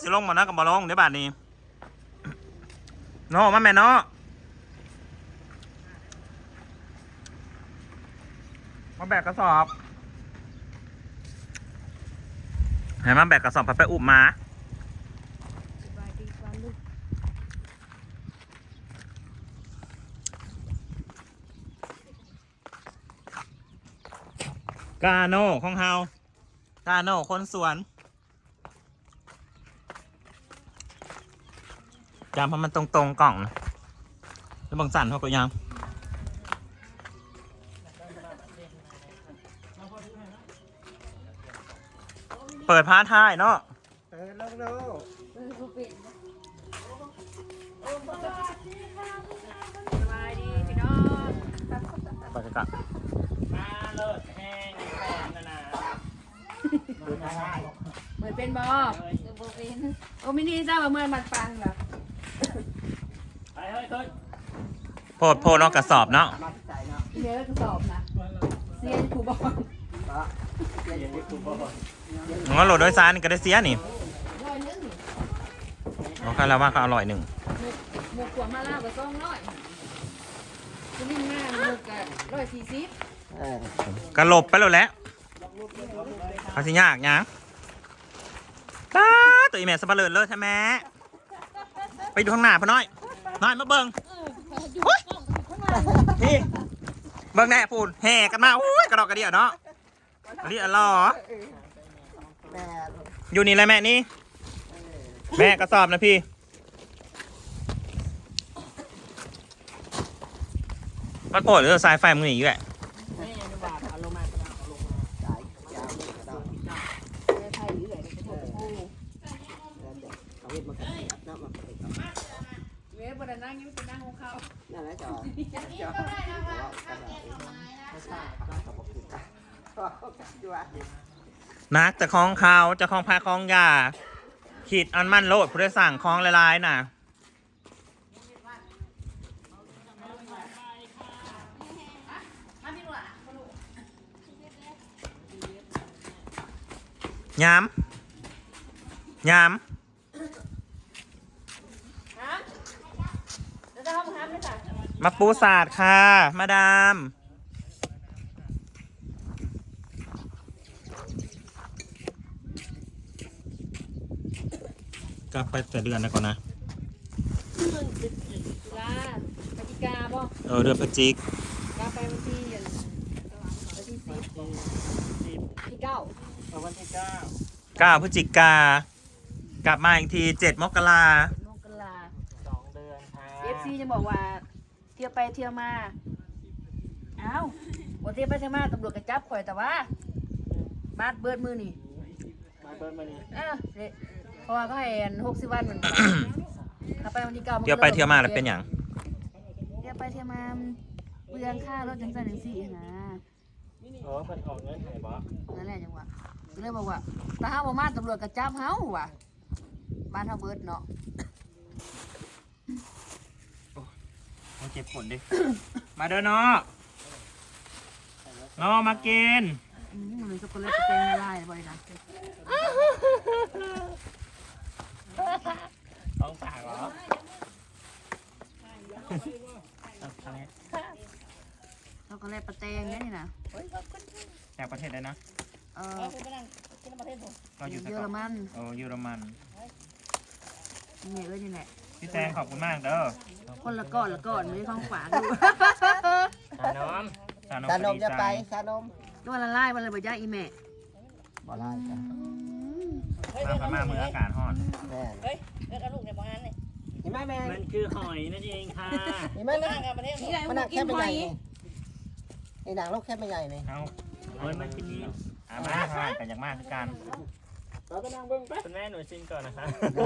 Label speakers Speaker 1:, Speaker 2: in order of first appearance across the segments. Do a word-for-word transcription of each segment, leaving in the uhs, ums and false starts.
Speaker 1: สิลงมานะกับบอลงเดี๋ยวบาทนี้เนาะมาแม่เนาะมาแบกกระสอบให้มาแบกกระสอบไปไปอุบมา กาโน่ของเฮากาโน่คนสวนจำเพราะมันตรงๆกล่องแล้วบางสั่นเขาก็ยังเปิดพาร์ทท้ายเนาะเปิดลงดู
Speaker 2: สบายดีพี่น้อง
Speaker 1: ไปกันกันมาเลิศแห้งแฟนนะนะ
Speaker 2: เหมือนเป็นบอโอ้มินี่ทราบว่าเมื่อมันฟังเหรอ
Speaker 1: ไปเฮ้ยเฮ้ยโพดโพดนอกกระสอบเนาะ
Speaker 2: เยอะกระสอบนะเซียนคูบอล
Speaker 1: งั้นโหลดโดยสารนี่ก็ได้เสียนี่เอาแค่แล้วว่าเขาอร่อยหนึ่ง
Speaker 2: หมวกขวดมาล่ากับซองร้อยคุณนิ่มหน้าหมวกกับร้อยสี่สิบ
Speaker 1: กระหลบไปแล้วแหละเขาสิยากยังตาตัวอีแม่สะเปะเลิศเลยใช่ไหมไปดูข้างหน้าพ่อน้อยน้อยมาเบิ้งนี่เบิ้งแน่พูดแห่กันมาอุ้ยกระดอกกระเดี่ยวเนาะอันนี้อะไรหรออยู่นี่เลยแม่นี่แม่กระสอบนะพี่มันโผล่หรือสายไฟมึงหนีอยู่แหละ
Speaker 2: เว้ยบนนั่งยิ้มเป็นนั่งของเขานั่นแหละจอ
Speaker 1: นักจะคล้องเขาจะคล้องพาคล้องยาขีดอันมั่นโลดผู้ได้สั่งคล้องลายๆน่ะย้ำย้ำมาปูศาสตร์ค่ะมาดามกลับไปแต่เดือนนะก่อนนะ
Speaker 2: ลาปฏิกาบ่
Speaker 1: เออเดือนพฤศจิก
Speaker 2: กลับไปวันที่วันที่สิบที่เก้า
Speaker 1: วันที่เก้าเก้าพฤศจิกากลับมาอีกทีเจ็ดมกรา
Speaker 2: มกราสองเดือนค่ะเอฟซีจะบอกว่าเที่ยวไปเที่ยวมาเอ้าวันเที่ยวไปเที่ยวมาตำรวจกระจับข่อยแต่ว่าบาดเบิดมือนี่
Speaker 1: บาดเบิดมือนี่
Speaker 2: เออเพราะว่าก็ให้หกสิบวันเหมือนกันถ้าไปวันที่เก้า
Speaker 1: เที่ยวไปเที่ยวมาแล้วเป็นอย่าง
Speaker 2: เที่ยวไปเที่ยวมาเปลืองค่ารถจังสันจังสี่นะ
Speaker 1: อ๋อเพิ่นออกเงินให้บ่
Speaker 2: นั่นแหละจังหวะก็เลยบอกว่าถ้าเฮาบ่มาตำรวจกระจับเฮาว่ะบ้านเฮาเบิดเนาะ
Speaker 1: โอ้เจ็บปวดดิ มาเด้อเนาะเนาะมากิน
Speaker 2: อืมมันช็อกโกแลตเต็มละลายบ่อยนะ
Speaker 1: ต้องปากเหรอ
Speaker 2: ช็อกโกแลตปลาแตงนี่นะ
Speaker 1: จากประเทศใดนะ
Speaker 2: เออ
Speaker 1: ก็อยู่
Speaker 2: เยอรมัน
Speaker 1: โอ้เยอรมัน
Speaker 2: นี่เอ้ยนี่แหละ
Speaker 1: พี่แตงขอบคุณมากเด้อ
Speaker 2: คนละก้อนละก้อนไม่ต้องฝาดู
Speaker 1: สานม
Speaker 3: สานมจะไปสานม
Speaker 2: ก็วันละลายวันละบ่ย่าอีแม่
Speaker 3: บ่ลายจ้ะ
Speaker 1: มาพม่าเมืองอากาศร้อน
Speaker 3: แม่เฮ้ยเลิกเอาลูกในบ้านนี่เห็นไหมแม่
Speaker 1: มันคือหอยนั่นเองค่ะ
Speaker 3: เห็นไหมนะมันหนักแค่ไม่ใหญ่ไอ้หนังลูกแค่ไม่ใหญ่เลย
Speaker 1: เอาเฮ้ยมันกินนี้อ่ามาค่ะแต่อย่างมากคือการ
Speaker 3: เราก็นั่งเบิ้งไป
Speaker 1: คุณแม่หนูชิมก่อนนะคะ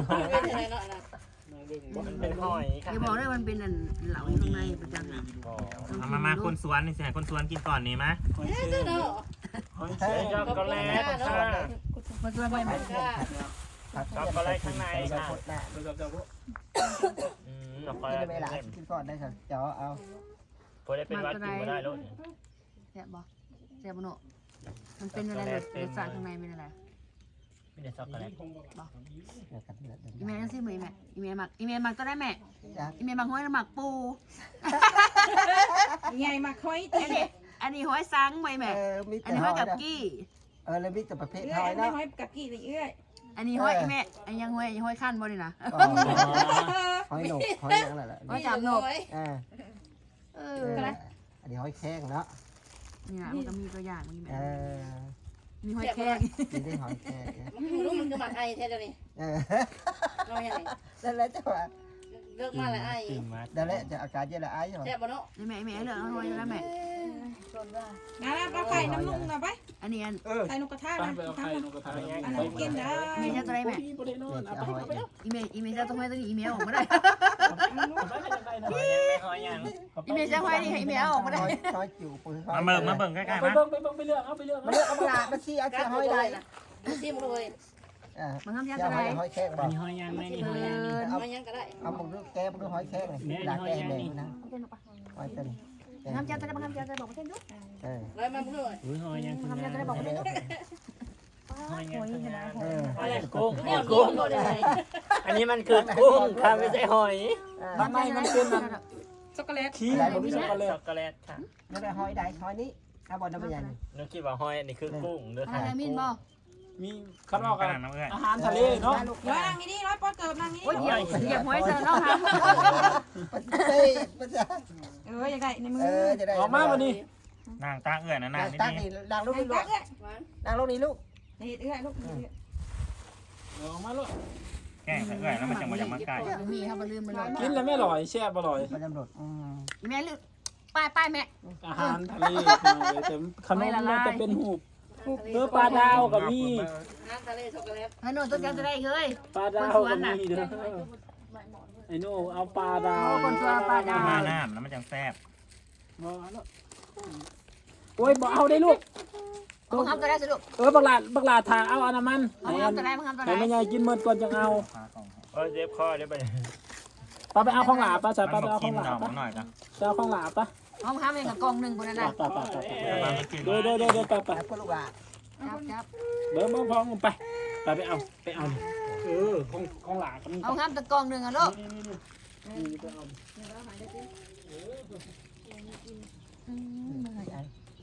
Speaker 1: มันเป็นหอย
Speaker 2: ค่ะอย่าบอกได้มันเป็นเหลาอยู่ข้างในประจังนะ
Speaker 1: เอามามาคนสวนนี่สิคนสวนกินก่อนนี่ไหมหอยเชลล์หอยเชลล์ช็อกโกแลตค่ะ
Speaker 2: มันจะไม่เหมือนกัน
Speaker 1: ช็อกโกแลตข้างในค่ะอืมช็อกโกแลต
Speaker 3: ไม่หลายกินก่อนได้ค่ะเจาะเอา
Speaker 1: พอได้เป็นวัดกินมาได้ลูก
Speaker 2: แซ่บบ่แซ่บบ่เนาะมันเป็นอะไรรสชาติข้างในเป็นอะไร
Speaker 1: เเดี๋ยวช็อกโกแลต
Speaker 2: อีเมลสิมือแม่อีเมลหมักอีเมลหมักก็ได้แม่
Speaker 3: จ้ะ
Speaker 2: อีเมลหมักห้อยหมักปู
Speaker 4: ใหญ่มาค่อย
Speaker 2: อันนี้อันนี้ห้อยซังไว้แม่
Speaker 3: เออมี
Speaker 2: อัน
Speaker 3: แต่
Speaker 2: นี้
Speaker 3: ห
Speaker 2: ห้
Speaker 3: อ
Speaker 2: อย
Speaker 3: ย
Speaker 2: กับ
Speaker 3: นะ
Speaker 2: กี้
Speaker 3: เออแล้วมีแต่ประเภท
Speaker 4: เอื้
Speaker 3: ห
Speaker 4: อ
Speaker 3: อย ย
Speaker 4: ไม่
Speaker 3: เนาะ
Speaker 4: ห้อยกับกี่เลยเอื้อย
Speaker 2: อันนี้ห้อยแม่อันยังห้อยห้อยขั้นบ่นี่นะ
Speaker 3: อ๋อหอยหนกหอยหยังนั่นแหละ
Speaker 2: ห้อยจับนก
Speaker 3: อ่า
Speaker 2: เอ
Speaker 3: เอ
Speaker 2: อ
Speaker 3: ออันนี้หอยแข้งเนาะ
Speaker 2: นี่นะมันก็มีตัวอย่างนี่แม่
Speaker 3: เออ
Speaker 2: มีห้อยแข้ง
Speaker 3: มีได้หอยแข้ง
Speaker 5: มันรู้มันก็หมักไอแท้เดี๋ยวนี้
Speaker 3: เออ
Speaker 5: เราอย่างไร
Speaker 3: นั่นแหละจ้ะว่า
Speaker 5: เลิกมาแล้วไอ
Speaker 3: นั่นแหละจะอาการเยอะละไอ้เหรอ
Speaker 5: แซ่บบ่เนาะ
Speaker 2: นี่แม่แม่เลือกห้อยแล้วแม่
Speaker 4: นะปลาไข่น้ำนุ่งนะไป
Speaker 2: อันนี้อัน
Speaker 4: ไข่นกกระทะ
Speaker 6: ไป
Speaker 4: นะ
Speaker 6: ไปเอาไข่นกกระทะ
Speaker 4: อันนั้นกินได้
Speaker 2: อีเมลจะตัวไหนแม่
Speaker 6: พี่บ่ได้นอนเอาไปเอาไปเอา
Speaker 2: อีเมลอีเมลจะต้องห้อยตัวนี้อีเมลออกมาได้
Speaker 1: หอยยัง
Speaker 2: อีเมลจะห้อยนี่ให้อีเมลออกมาได้
Speaker 3: หอยหอยจิ๋วปืนหอย
Speaker 1: มาเบิ่งมาเบิ่งใกล้ๆ
Speaker 6: ไป
Speaker 1: มา
Speaker 6: เบิ่งไปเบิ่งไปเลือกเอาไปเลือก
Speaker 3: มาเลือกเอาปลามาชี้เอา
Speaker 5: กา
Speaker 3: เชื
Speaker 5: ร
Speaker 3: อก
Speaker 5: ห
Speaker 3: ห
Speaker 5: อ
Speaker 3: อย ย
Speaker 5: ได้
Speaker 3: ได้
Speaker 5: นะซิมเลย
Speaker 3: อ่า
Speaker 2: มันทำยัง
Speaker 3: เชือก
Speaker 2: ไง
Speaker 3: หอยหอยแข้งบ่
Speaker 6: มีหอยยังไหมนี่
Speaker 2: เอ
Speaker 6: หอยยัง
Speaker 2: อ
Speaker 3: เอา
Speaker 5: มายังก็ได้
Speaker 3: เอามึงดูแกมึงดูหอยแข้งเลยด่าแกแดงนะหอยตัวนี้
Speaker 2: ทำเจ้าจะได้ทำเจ้าจะบอกมาเต้นด้วย
Speaker 3: เออ
Speaker 5: ร้อยมาเพื่อน
Speaker 6: อุ้ยหอยยัง
Speaker 2: ทำเจ้าจะได้บอกมาเต้นด้วย
Speaker 6: หอยยัง
Speaker 3: เออ
Speaker 6: อะไรกุ้ง
Speaker 5: เนี่ยกุ้งโดนเลย
Speaker 6: อันนี้มันคือกุ้งค่ะไม่ใช่หอย
Speaker 2: ทำไมมันเป็นแบบ
Speaker 4: ช็อกโกแลต
Speaker 6: ขี้มันช็อกโกแลตช็อกโกแลตค่ะ
Speaker 3: ไม่ได้หอยได้หอยนี้เอาบอลน้ำมันยัน
Speaker 6: นึกคิดว่าหอยอันนี้คือกุ้งเด้อ
Speaker 2: ทำ
Speaker 6: ค่ะ
Speaker 2: อะไรมินบอก
Speaker 6: มีข้าวนอก
Speaker 1: กั
Speaker 6: กัน น
Speaker 1: น้ำเอ้ย
Speaker 6: อาหารทะเลเนาะ
Speaker 4: ร้อยนางนี่ร้อยปอเกิบนางนี่
Speaker 2: โอ้ยเหยียบเหยียบห้อยเสือน้องครับ
Speaker 3: ปฏิเสธปฏิเสธ
Speaker 4: เอออยากได้ในมือ
Speaker 3: เออจะได้
Speaker 6: ออกมาวันนี้
Speaker 1: นางตาเอื้อยนะนางนี่
Speaker 3: ตั้ง
Speaker 1: นี่
Speaker 3: นี่ดังลูก
Speaker 4: ไอ้
Speaker 3: นี่ลู
Speaker 4: ตั
Speaker 3: ก
Speaker 4: กเอ้ย
Speaker 3: ดังลูกนี่ลูก
Speaker 4: นี่เอ้ยลูก
Speaker 6: ออกมาลูก
Speaker 1: แกล้งเอื้อยแล้วมันจังหวะยังมาไกล
Speaker 2: มีครับมาลืมมาเลย
Speaker 6: กินแล้วไม่อร่อยแช่บอร่อย
Speaker 3: มันตำรวจอืม
Speaker 2: แม่ลืมป้ายป้ายแม่
Speaker 6: อาหารทะเลแต่ขนมมันจะเป็นหูบเออปลาดาวกับมี
Speaker 5: น้ำทะเลช็อกโกแลต
Speaker 2: เฮ้ยหนูต้องการจะได้เฮ้ย
Speaker 6: ปลาดาวกับมีเด้อไอ้โน่เอาปลาดาว
Speaker 1: มาน้ำแล้วมันจังแซ่บ
Speaker 6: โอ้ยบอกเอาได้ลูก
Speaker 2: มึงทำจะได้สิลูก
Speaker 6: เออบักหลาบักหลาทาเอาอันน้ำมัน
Speaker 2: มึงทำจะได้มึงทำจะ
Speaker 6: ไหน
Speaker 2: ได้
Speaker 6: ไม่ใหญ่กินเมื่อก่อนจะเอา
Speaker 1: เออเจ็บคอเดี๋ยวไป
Speaker 6: ปลาไปเอาของหลาปลาใส่
Speaker 1: มัน
Speaker 6: ปลาไป
Speaker 1: บอก
Speaker 6: เอาข
Speaker 1: กิ
Speaker 6: อน งหลา
Speaker 1: ดอก
Speaker 6: ปลา
Speaker 1: มันหน่อยกัน
Speaker 6: ไปเอาของหลาปลา
Speaker 2: มึงทำเองกับกองหนึ่งคนนั้น
Speaker 6: ปลา
Speaker 2: นะ
Speaker 6: ปลาปลาปลา
Speaker 1: เดี๋ยวมันกิน
Speaker 6: เดี๋ยวเดี๋ยวเดี๋ยวเดี๋ยวปลาปลา
Speaker 3: แล้วก็ลูกอ่ะ
Speaker 2: จับจับ
Speaker 6: เบิ้มเบิ้มพร้อมไปไปไปเอาไปเอาเออของของหลากัน
Speaker 2: เอาทำตะกองหนึ่งอ่ะลูก
Speaker 6: นี่ไปเอา
Speaker 3: มันไอ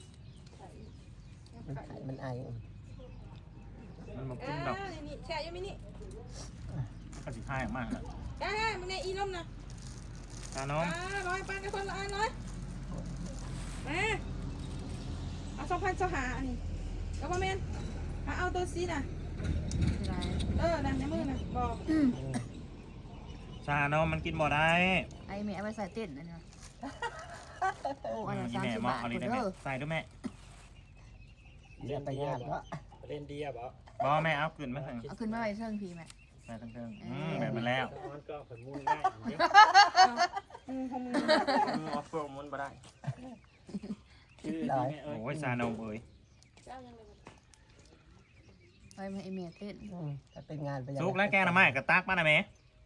Speaker 3: มันไอ
Speaker 1: มันบอกกินดอก
Speaker 4: นี่แช่ยังไม่นี่
Speaker 1: ก็สิท่ายมากเลย
Speaker 4: ได้มึงในอีลมนะ
Speaker 1: ตาน้อง
Speaker 4: อ่าร้อยปานกับคนละอันร้อยมาเอาสองพันสหาอันนี้ก็ประมาณเอาตัวซีน่ะเออนั่นในมือน่ะบอก
Speaker 1: ชาน้องมันกินบ่ได้
Speaker 2: ไอ้แม่เอาไปใส่เต้นนะเนี่ยโอ้อัน
Speaker 1: อี
Speaker 2: นั้นสาม
Speaker 1: แม่
Speaker 2: สิบ
Speaker 1: มอบ
Speaker 2: บาท
Speaker 1: เอา
Speaker 2: ค
Speaker 1: ลี
Speaker 2: น
Speaker 1: ได้ไหม
Speaker 2: เด้อ
Speaker 1: ใส่ด้วยแม่
Speaker 3: เรียนไปงานก็
Speaker 6: เล่นดีอ่ะบ่
Speaker 1: บอแม่เอาขึ้นมาถึง
Speaker 2: เอาขึ้นมาไว้เชิงพีแม่
Speaker 1: ใส่ทั้งเทิงอืมแบบมันแล้ว
Speaker 6: มันก็ผลมุนได้
Speaker 4: อืมของมึง
Speaker 6: ออฟโรมุนบ่ได้
Speaker 1: โอ้ยชาน้องเอ้ย
Speaker 2: ไปมาไอ้แม่เต้น
Speaker 3: ถ้าเป็นงานไป
Speaker 1: สุกแล้วแกงน้ำไม้กระตักมาหน่อยแม่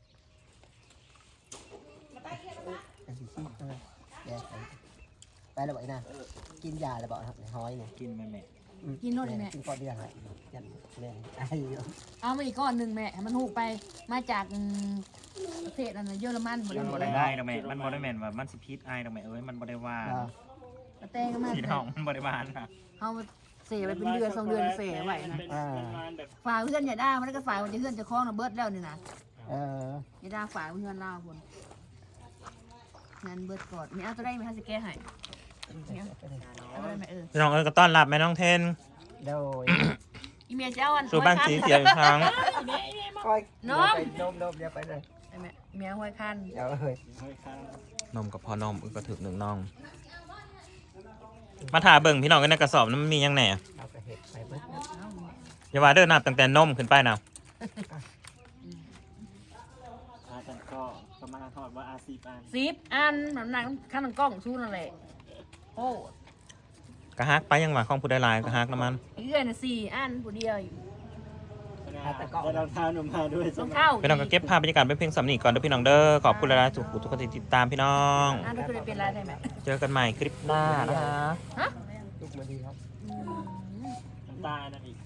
Speaker 3: ไปแล้วบ่อยนะกินยาแล้วบ่ครับหอยเนี่ย
Speaker 1: กินแม่แม่
Speaker 2: กินโน่นเลยแม่
Speaker 3: กินก่อนเดียวฮะยันแม่ไอ้
Speaker 2: เอามาอีกก้อนหนึ่งแม่ให้มันหูไปมาจากอืมประเทศอันนั้นเยอรมันหมด
Speaker 1: มันบ่
Speaker 2: เล
Speaker 1: ได้
Speaker 2: ย
Speaker 1: ได้ดอกแม่มันบ่ได้แม่นว่ามันสิพิษไอ้ดอกแม่เอ้ยมันบ่ได้ว่า
Speaker 2: กระแตงก็มา
Speaker 1: สีทองมันบ่ได้ว่านะ
Speaker 2: เอาเสียไปเป็นเดือนสองเดือนเสียไว้นะ
Speaker 6: แบบ
Speaker 2: ฝากเพื่อนอย่าด่ามันก็ฝากมันจะเพื่อนจะคล้องนะเบิร์ดแล้วนี่นะ
Speaker 3: เออ
Speaker 2: อย่าด่าฝากเพื่อนเล่าคนงั้นเบิร์ดกอดมีเอาตัวได้ไหมคะจะแก้ให้เอาตัวได้ไหมเออ
Speaker 1: พี่น้องเอ้ยก็ต้อนรับแม่น้องเทน
Speaker 3: โดย
Speaker 2: อีเมียเจ้าอัน
Speaker 1: สู่บ้านสีเสียอีกครั้ง
Speaker 3: คอยน้มน้มน้มเดี๋ยวไปเลย
Speaker 2: ไอ้แม่เมียห้อยคัน
Speaker 3: เดี๋ยวเฮ้ย
Speaker 1: นมกับพอนมอึกก็ถึกหนึ่งน่อง มาถ่าเบิ่งพี่น้องกันในกระสอบนั้นมันมียังไง
Speaker 3: เอากระเห็ดไปเบิ้ล
Speaker 1: อย่าว่าเดินนับตั้งแต่นมขึ้นไปนะ
Speaker 6: อาจารย์ก็ประมาณทอดว่าอาซีปาน
Speaker 2: สิบอันน้ำหนักขั้นกล้องชูนั่นแหละโอ้
Speaker 1: กระฮักไปยังหวะของผู้ได้ลายกระฮักน้ำมัน
Speaker 2: อีเอื้อยน่ะสี่อันผู้เดียวอยู่
Speaker 6: แล้วเราทานออกมาด้วย
Speaker 2: ต้องเข้า
Speaker 1: พี่น้องก็เก็บภาพบรรยากาศไปเพียงสำนีก่อนเด้อพี่น้องเด้อขอบคุณหลายๆทุกผู้ทุกคนที่ติดตามพี่น้อง
Speaker 2: อันนั้นคือได้เป็นไรได้ไหม
Speaker 1: เจอกันใหม่คลิปหน้านะคะ
Speaker 2: ฮะ
Speaker 3: ลูกมาดีครับ
Speaker 2: อืม
Speaker 6: น้ำตาลนั่นอีก